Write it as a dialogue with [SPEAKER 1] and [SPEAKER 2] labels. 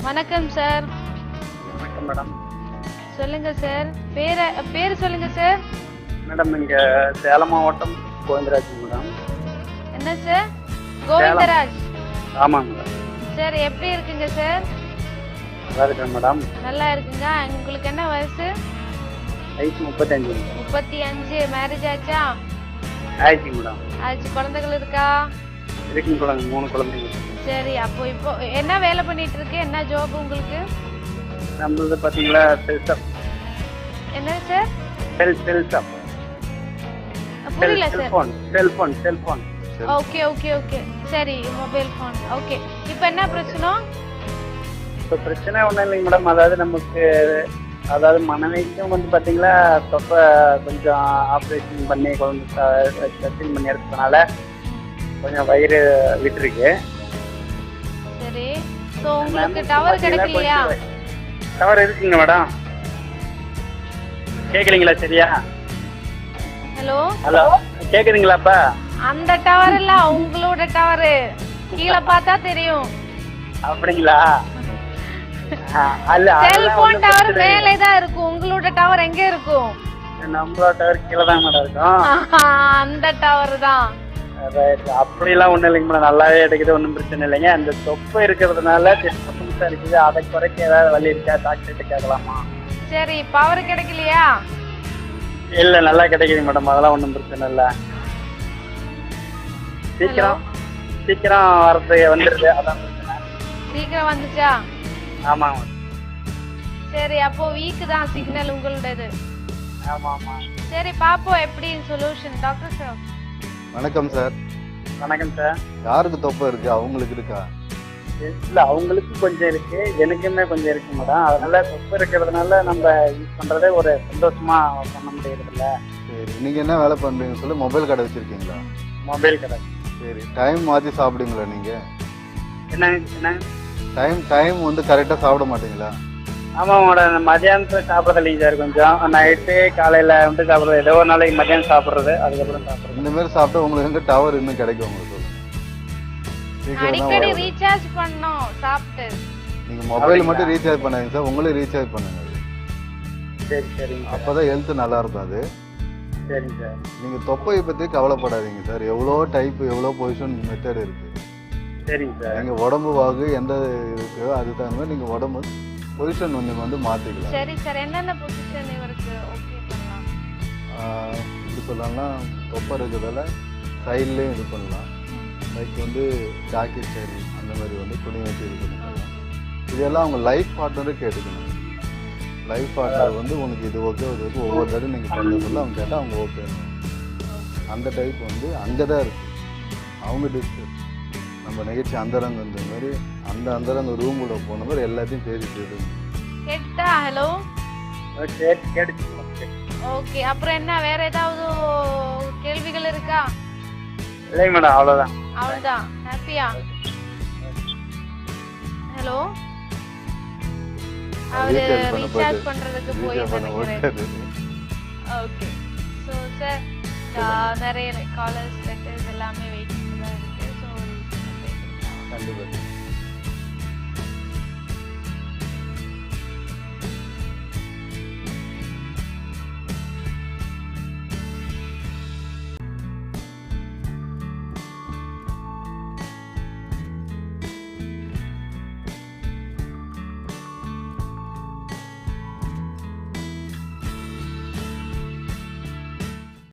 [SPEAKER 1] வணக்கம் சார்.
[SPEAKER 2] வணக்கம் மேடம்.
[SPEAKER 1] சொல்லுங்க சார். பேர் சொல்லுங்க சார்.
[SPEAKER 2] மேடம் இங்க சேலம் மாவட்டம் கோவிந்தராஜ் மேடம்.
[SPEAKER 1] என்ன சார்? கோவிந்தராஜ்.
[SPEAKER 2] ஆமாங்க மேடம்.
[SPEAKER 1] சார் எப்படி இருக்குங்க சார்?
[SPEAKER 2] நல்லா இருக்கேன் மேடம்.
[SPEAKER 1] நல்லா இருக்குங்க. உங்களுக்கு என்ன வயசு?
[SPEAKER 2] வயசு 35.
[SPEAKER 1] 35. மேரேஜ் ஆச்சா?
[SPEAKER 2] ஆயிடுச்சு மேடம்.
[SPEAKER 1] ஆச்சு. குழந்தைகள் இருக்கா?
[SPEAKER 2] இருக்குங்க குழந்தை, 3 குழந்தைங்க.
[SPEAKER 1] சரி. அப்போ இப்போ என்ன வேலை பண்ணிட்டு இருக்கு? என்ன ஜாப் உங்களுக்கு?
[SPEAKER 2] நம்மளது பாத்தீங்களா செல்ஷாப்.
[SPEAKER 1] என்ன சார்?
[SPEAKER 2] செல்ஷாப்.
[SPEAKER 1] புரியல sir.
[SPEAKER 2] Cellphone.
[SPEAKER 1] Okay okay okay. சரி, மொபைல் ஃபோன். ஓகே. இப்போ என்ன பிரச்சனை?
[SPEAKER 2] இப்போ பிரச்சனை ஒன்றும் இல்லைங்க மேடம். அதாவது மனைவிக்கும் வந்து பார்த்தீங்களா தொப்பை கொஞ்சம் ஆப்ரேஷன் பண்ணி குழந்தை டச்சிங் பண்ணி எடுத்ததுனால கொஞ்சம் வயிறு விட்டுருக்கு.
[SPEAKER 1] சரி. ஸோ உங்களுக்கு டவர் கிடைக்கலையா?
[SPEAKER 2] டவர் இருக்குங்க மேடம். கேட்குறீங்களா சரியா? ஹலோ கேட்குறீங்களாப்பா?
[SPEAKER 1] அந்த டவர் இல்ல, உங்களோட டவர். கீழே பார்த்தா தெரியும்.
[SPEAKER 2] அப்படிங்களா?
[SPEAKER 1] செல்போன் டவர் மேலே தான் இருக்கும். உங்களோட டவர் எங்க இருக்கும்?
[SPEAKER 2] நம்மளோட டவர் கீழே தான் மேடம் இருக்கும்.
[SPEAKER 1] அந்த டவர் தான்.
[SPEAKER 2] அப்படிலாம் ஒன்றும் இல்லைங்க மேடம். நல்லாவே கிடைக்குது, ஒன்றும் பிரச்சனை இல்லைங்க. அந்த தொப்பை இருக்கிறதுனால டிஸ்டர்பன்ஸாக இருக்குது. அதை குறைக்க ஏதாவது வழி இருக்கா? டாக்டர்கிட்ட கேட்கலாமா?
[SPEAKER 1] சரி. பவர் கிடைக்கலையா?
[SPEAKER 2] இல்லை, நல்லா கிடைக்குது மேடம். அதெல்லாம் ஒன்றும் பிரச்சனை இல்லை. சீக்கிரம் வரது வந்துடுது, அதான் பிரச்சனை.
[SPEAKER 1] சீக்கிரம் வந்துச்சா?
[SPEAKER 2] ஆமாங்க.
[SPEAKER 1] சரி. அப்போ வீக் தான் சிக்னல் உங்களோடது.
[SPEAKER 2] ஆமாம்.
[SPEAKER 1] சரி, பாப்போம் எப்படி சொல்யூஷன். டாக்டர் சார்
[SPEAKER 3] வணக்கம் சார்.
[SPEAKER 2] வணக்கம் சார்.
[SPEAKER 3] யாருக்கு தொப்பை இருக்கு? அவங்களுக்கு இருக்கா?
[SPEAKER 2] இல்லை, அவங்களுக்கு கொஞ்சம் இருக்கு, எனக்குமே கொஞ்சம் இருக்கு மேடம். அதனால தொப்பை இருக்கிறதுனால நம்ம யூஸ் பண்றதே ஒரு சந்தோஷமா பண்ண முடியறதில்ல.
[SPEAKER 3] சரி, நீங்க என்ன வேலை பண்றீங்க சொல்லி? மொபைல் கடை வச்சிருக்கீங்களா?
[SPEAKER 2] மொபைல் கடை.
[SPEAKER 3] சரி, டைம் மாற்றி சாப்பிடுங்களா நீங்க?
[SPEAKER 2] என்ன
[SPEAKER 3] டைம் வந்து கரெக்டாக சாப்பிட மாட்டீங்களா?
[SPEAKER 2] ஆமாம் மேடம். மதியானத்தில் சாப்பிட்றது இல்லைங்க சார். கொஞ்சம் நைட்டு காலையில் வந்து சாப்பிட்றது. ஏதோ ஒரு நாளைக்கு மதியானம் சாப்பிட்றது, அதுக்கப்புறம் சாப்பிட்றது.
[SPEAKER 3] இந்த மாதிரி சாப்பிட்டா உங்களுக்கு எங்க டவர் இன்னும் கிடைக்கும் உங்களுக்கு?
[SPEAKER 1] அடிக்கடி ரீசார்ஜ் பண்ணனும் சாப்பிட்டு.
[SPEAKER 3] நீங்க மொபைல் மட்டும் ரீசார்ஜ் பண்ணாதீங்க சார், உங்களே ரீசார்ஜ் பண்ணுங்க.
[SPEAKER 2] சரி சரிங்க.
[SPEAKER 3] அப்பதான் ஹெல்த் நல்லா இருக்கும். அது
[SPEAKER 2] சரிங்க சார்.
[SPEAKER 3] நீங்க தொப்பையை பத்தி கவலைப்படாதீங்க சார். எவ்வளோ டைப், எவ்வளோ பொசிஷன் மெத்தட் இருக்கு.
[SPEAKER 2] சரிங்க சார்.
[SPEAKER 3] நீங்க உடம்பு வாகு எந்த இருக்கோ அதுக்கு தகுந்த மாதிரி நீங்க உடம்பு பொசிஷன் வந்து மாத்திக்கலாம்.
[SPEAKER 1] சரி சார். என்னென்ன பொசிஷன் இவருக்கு ஓகே பண்ணலாம்?
[SPEAKER 3] இப்படி சொல்லலாம், தொப்பை இருக்கிறதால சைட்லேயும் இது பண்ணலாம். லைக் வந்து ஜாக்கெட் சரி அந்த மாதிரி வந்து துணி வச்சு இது பண்ணிக்கலாம். இதெல்லாம் அவங்க லைஃப் பார்ட்னரே கேட்டுக்கணும். லைஃப் பார்ட்னர் வந்து உனக்கு இது ஓகே, அது ஓகே, ஒவ்வொரு தடவை நீங்கள் பண்ண சொல்ல அவங்க கேட்டால் அவங்க ஓகே. அந்த டைப் வந்து அங்கே தான் இருக்குது. அவங்க டிஸ்கஸ் நம்ம நிகழ்ச்சி அந்தரங்க இந்த மாதிரி அந்தரங்க ரூமுக்குள்ள போன மாதிரி எல்லாத்தையும் பேசிட்டு
[SPEAKER 1] கேட்டா. Hello okay. அப்புறம் என்ன, வேற ஏதாவது கேள்விகள் இருக்கா?
[SPEAKER 2] இல்லை மேடம், அவ்வளோதான்.
[SPEAKER 1] அவ்வளோதான். ஹாப்பியா? ஹலோ, அவரு ரீசார்ஜ் பண்றதுக்கு போய் நினைக்கிறேன். ஓகே. ஸோ சார், நிறைய காலர்ஸ் லெட்டர்ஸ் எல்லாமே வெயிட்டிங் தான் இருக்கு. ஸோ
[SPEAKER 3] கண்டிப்பாக